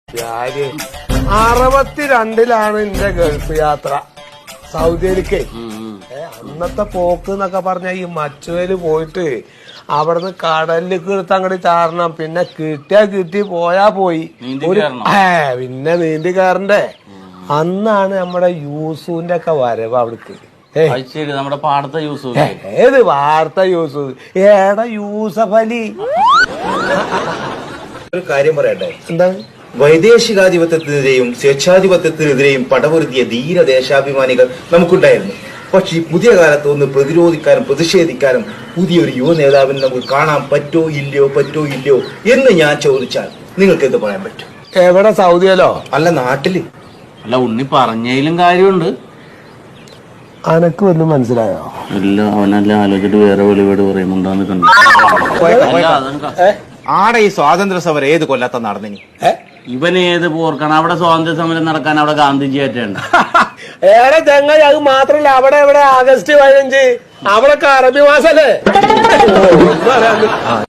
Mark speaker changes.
Speaker 1: 62-ലാണ് എന്റെ ഗൾഫ് യാത്ര സൗദിയിലേക്ക്. അന്നത്തെ പോക്ക് എന്നൊക്കെ പറഞ്ഞ ഈ മച്ചുവേല് പോയിട്ട് അവിടുന്ന് കടലിലേക്ക് എടുത്ത് അങ്ങോട്ട് ചാടണം. പിന്നെ കിട്ടിയാ കിട്ടി പോയാ പോയി. പിന്നെ നീന്തി കയറണ്ടേ. അന്നാണ് നമ്മുടെ യൂസുവിന്റെ ഒക്കെ വരവ് അവിടേക്ക്.
Speaker 2: നമ്മുടെ പാടത്തെ യൂസഫ്.
Speaker 1: ഏത് വാർത്ത യൂസുഫ്? ഏടാ യൂസഫ് അലി.
Speaker 3: ഒരു കാര്യം പറയട്ടെ.
Speaker 1: എന്താ?
Speaker 3: വൈദേശികാധിപത്യത്തിനെതിരെയും സ്വേച്ഛാധിപത്യത്തിനെതിരെയും പടപൊരുതിയ ധീര ദേശാഭിമാനികൾ നമുക്കുണ്ടായിരുന്നു. പക്ഷെ ഈ പുതിയ കാലത്ത് ഒന്ന് പ്രതിരോധിക്കാനും പ്രതിഷേധിക്കാനും പുതിയൊരു യുവ നേതാവിനെ നമുക്ക് കാണാൻ പറ്റോ ഇല്ലയോ എന്ന് ഞാൻ ചോദിച്ചാൽ നിങ്ങൾക്ക് എന്ത് പറയാൻ പറ്റും?
Speaker 1: എവിടെ? സൗദിയിലോ?
Speaker 3: അല്ല, നാട്ടില്.
Speaker 2: അല്ല, ഉണ്ണി പറഞ്ഞതിലും കാര്യമുണ്ട്.
Speaker 1: അനക്ക് ഒന്നും മനസ്സിലായോ?
Speaker 2: ഇല്ല, അവനെല്ലാം ആലോചിച്ചിട്ട് വേറെ വെളിവേട് പറയുന്നുണ്ടാന്ന് കണ്ടു.
Speaker 3: ആടെ ഈ സ്വാതന്ത്ര്യ സമരം ഏത് കൊല്ലത്ത നടന്നിനി?
Speaker 2: ഇവൻ ഏത് പോർക്കാണ്? അവിടെ സ്വാതന്ത്ര്യ സമരം നടക്കാൻ അവിടെ ഗാന്ധിജി ആയിട്ടുണ്ട്.
Speaker 1: ഏറെ ചങ്ങായി, അത് മാത്രല്ല അവിടെ എവിടെ ആഗസ്റ്റ് 15 അവിടെ അറബി മാസല്ലേ.